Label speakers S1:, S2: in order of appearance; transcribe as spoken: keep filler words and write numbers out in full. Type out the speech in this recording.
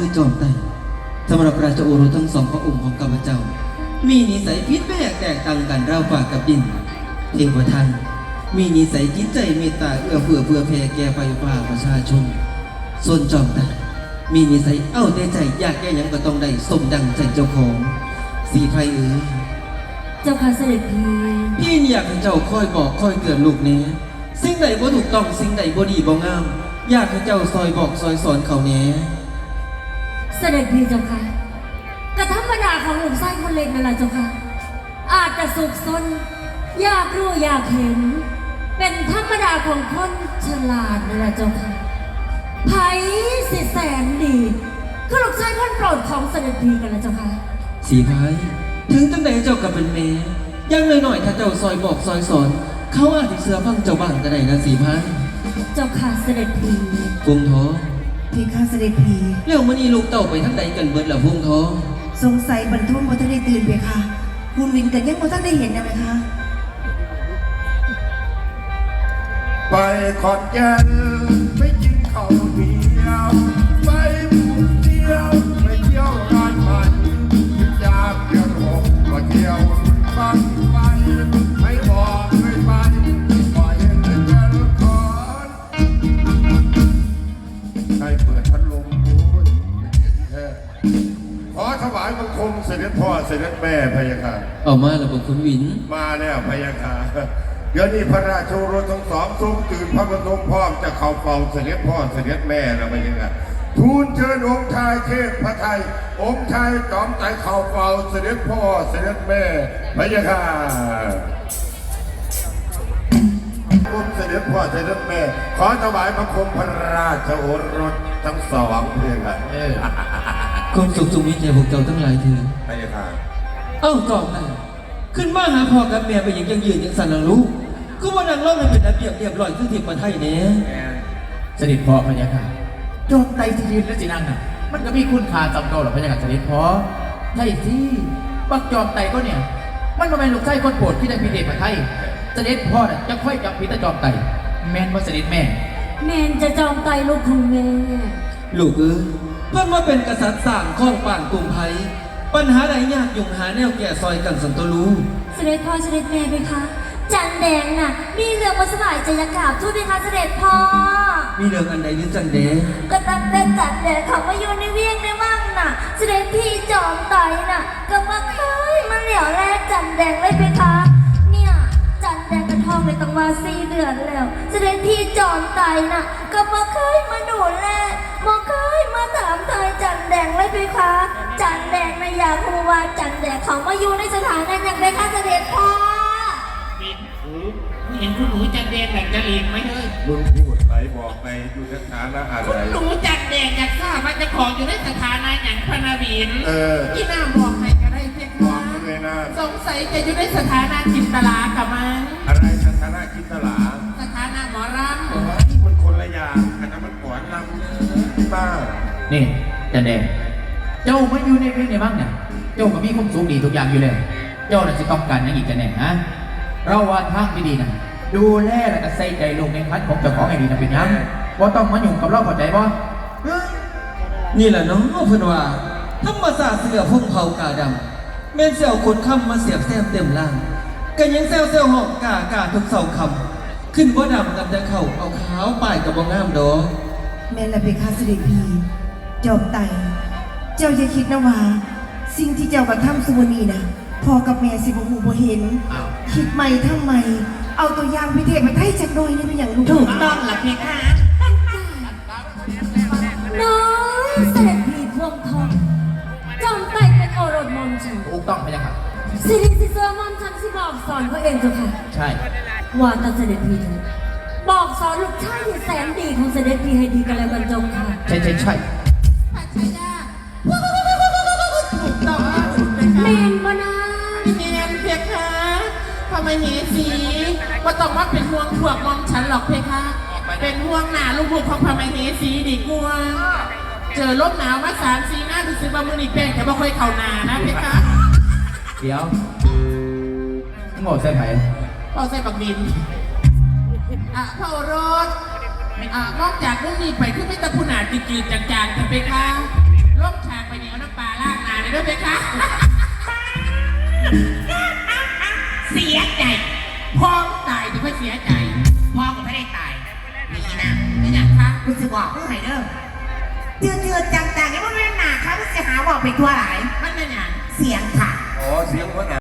S1: คือจอมไต่สำหรับราชโอรสทั้งสองพระองค์ของข้าพเจ้ามีนิสัยพิษแปลกแตกต่างกันราวฝากกับดินเทวทันมีนิสัยจิตใจเมตตาเอื้อเฟื้อเพื่อแผ่แก่ไฟฟ้าประชาชนส่วนจอมไต่มีนิสัยเอ้าแต่ใจอยากแก่ยังก็ต้องได้สมดังใจเจ้าของสีไพเอ๋ย
S2: เจ้าค่ะเสด็จพี่
S1: พี่อยากให้เจ้าคอยบอกคอยเตือนลูกแน่สิ่งใดบ่ถูกต้องสิ่งใดบ่ดีบ่งามอยากให้เจ้าซอยบอกซอยสอนเขาแน่
S2: เสด็จพี่เจ้าค่ะกระธรรมดาของหนุ่มไส้คนเล็กนั่นแหละเจ้าค่ะอาจจะสุขสนอยากรู้อยากเห็นเป็นธรรมดาของคนฉลาดนั่นแหละเจ้าค่ะไผ่สิแสนดีก็ลูกชายคนโปรดของเสด็จพี่กันแล้วเจ้าค่ะ
S1: สีไพถึงจังใดเจ้ากับเป็นแม่ยังหน่อยๆถ้าเจ้าซอยบอกซอยสอนเขาอาจจะเสือฟังเจ้าบ้างก็ได้นะสีไพ
S2: เจ้าค่ะเสด็จพี่
S1: พวงท้อ
S3: พี่ข้าเสด็จพี่
S1: เรื่องมันอีลูกเต่าไปทั้งใดกันเบิดละพวงท้อ
S3: สงสัยบรรทุนบ่ทันได้ตื่นไปค่ะคุณวินกันยังบ่ทันได้เห็นนะไหมคะ
S4: ไปขอนแก่นไปกินข้าวเหนียวไปหมูเดียวไปเที่ยวงานมันยามเดือนหกก็เที่ยวฟังไปไม่บอกไม่ไปปล่อยให้เดินคอนใครเปิดพัดลมโอ้ยเย็นแท้ขอถวายบังคมเสด็จพ่อเสด็จแม่พะยะค่ะ
S1: เอามาแล้วบอกคุณวิน
S4: มาแล้วพะยะค่ะเดี๋ยวนี้พระราชโอรสทั้งสองทรงตื่นพระบรมพร้อมจะเข้าเฝ้าเสด็จพ่อเสด็จแม่แล้วพะยะค่ะทูลเชิญองค์ชายเทพพระไทยองค์ชายจอมไต่เข้าเฝ้าเสด็จพ่อเสด็จแม่พะยะค่ะองค์เสด็จพ่อเสด็จแม่ขอถวายบังคมพระราชโอรสทั้งสองเพื่อนกัน
S1: ความสุขสุขมีแก่พวกเจ้าทั้งหลายเถิด
S4: พะยะค่ะ
S1: เอ้าจอมไต่ขึ้นมาหาพ่อกับแม่ไปยังยังยืนยังสั่นละลูกก็ว่านังเล่าให้เป็นระเบียบเรียบร้อยคือที่ประเทศนี้
S5: เสด็จพ่อพะยะค่ะจอมไต่ที่ยืนและจีนั่งน่ะมันก็มีคุณค่าจำโตหรอพะยะค่ะเสด็จพ่อใช่สิปักจอมไต่ก็เนี่ยมันมาเป็นลูกชายคนโปรดที่ได้พิเดชมาไทยเสด็จพ่อน่ะจะค่อยจับพิตาจอมไต่แมนว่าเสด็จแม่
S2: แมนจะจอมไต่ลูกของแม่
S1: ลูกเอ้ยเพื่อนว่าเป็นกษัตริย์สร้างข้องป่านกรุงไทยปัญหาใดยากยุ่งหาแนวแก่ซอยกันสันตลู
S2: เสด็จพ่อเสด็จแม่ไปคะจันแดงน่ะมีเรื่องมาสบายใจยากาบทูตไปคะเสด็จพ่อ
S1: มีเรื่องอันใดหรือจันแดง
S2: ก็ตั้งแต่จันแดงเขามาอยู่ในเวียงในมั่งน่ะเสด็จพี่จอมไต่น่ะก็มาเคยมาเหลียวแรกจันแดงเลยไปคะเนี่ยจันแดงกระทองเลยตั้งมาสี่เดือนแล้วเสด็จพี่จอมไต่น่ะก็มาเคยมาดูแลมาเคยมาถามไทยจันแดงเลยไปคะจันแดงนะอยากรู้ว่าจันแดงเขามาอยู่ในสถานะอย่างไรคะเสด็จพ่อ
S6: เห็นคุณหนูจันแดงแบบจะหลีกไหมเฮ้ย
S4: มึงพูดไปบอกไปดูสถานะอะไร
S6: คุณหนูจันแดงอยากทราบว่าจะของอยู่ในสถานะอย่างพนาบิน
S4: เออ
S6: ที่น้าบอกใครก็ได้เพียงว่าสงสัยจะอยู่ในสถานะจินตลากับมัน
S4: อะไรสถานะจินตลา
S6: สถานะหมอรำ
S4: มันคนละอย่างอันนั้นมันก่อนรำบ้า
S5: นี่จันแดงเจ้ามาอยู่ในเรื่องในบ้างเนี่ยเจ้าก็มีความสูงดีทุกอย่างอยู่เลยเจ้าน่ะจะต้องการอย่างอีกจันแดงนะเราว่าทางดีๆนะดูแลและก็ใส่ใจลงในพันของเจ้าของไอ้ดีนะเป็นยังว่าต้องมาอยู่กับเราเข้าใจบ่
S1: นี่แหละน้องเพื่อนว่าธรรมศาสตร์เสือพุ่งเผากาดำเม่นเสี่ยวคนคำมาเสียบแซมเต็มล่างกันยังแซวเซลหอกกากาทุกเสาคำขึ้นว่าดำกับจะเข่าเอาขาวป่ายกับบ่งามดอ
S3: แม่ละเพคะเสด็จพี่จอมไต่เจ้าอย่าคิดนะว่าสิ่งที่เจ้ากระทำสุวรรณีนะพ่อกับแม่สิบหูบ่เห็นคิดใหม่ทำไมเอาตัวอย่างพิเทศมาไทยจักหน่อยนี่เป็นอย่างลูก
S6: ถูกต้องหลักเพคะ
S2: น้อยเสด็จพี่พวงทองจอมไต่เป็นโอรสมอมฉัน
S5: ถูกต้องไหมล่ะครับ
S2: สิริสิเซอร์มอมฉันสิบอกสอนเขาเองเจ้าค่ะ
S5: ใช่
S2: ว่าตาเสด็จพี่บอกสอนลูกชายที่แสนดีของเสด็จพี่ให้ดีกันแล้วกันจงค่ะ
S5: ใช่ใช่ใช่
S6: ถูกต้อง
S2: เมนบนา
S6: เมนเพคะทำไมเหสีว่าต้องว่าเป็นห่วงพวกมอมฉันหรอกเพคะเป็นห่วงหนาลูกๆของพระมเหสีดีกว่าเจอลมหนาวมาสามสี่หน้าดูสิบามือนี่แป้งแต่ไม่ค่อยเข่าหนานะเพคะ
S5: เดี๋ยวหมดใส่ไผ่
S6: พอใส่ปักดินอ่ะพระโอรสอ่ะนอกจากเรื่องนี้ไปคือไม่ตะพุนาจืดๆจางๆกันเพคะลำปลาล่างนาเลยด้วยเพคะเสียใจพ่อตายแต่ก็เสียใจพ่อก็ไม่ได้ตายนี่นะไม่อยากคะ
S7: กูจะบอกมึงให้เด้อเจือเจือจังๆนี่มันไม่หนาค่ะมึงจะหาบอกไปทั่วหลาย
S6: มันเป็นอย่าง
S7: เสียงค่ะ
S4: อ๋อเสียงหัวหน้า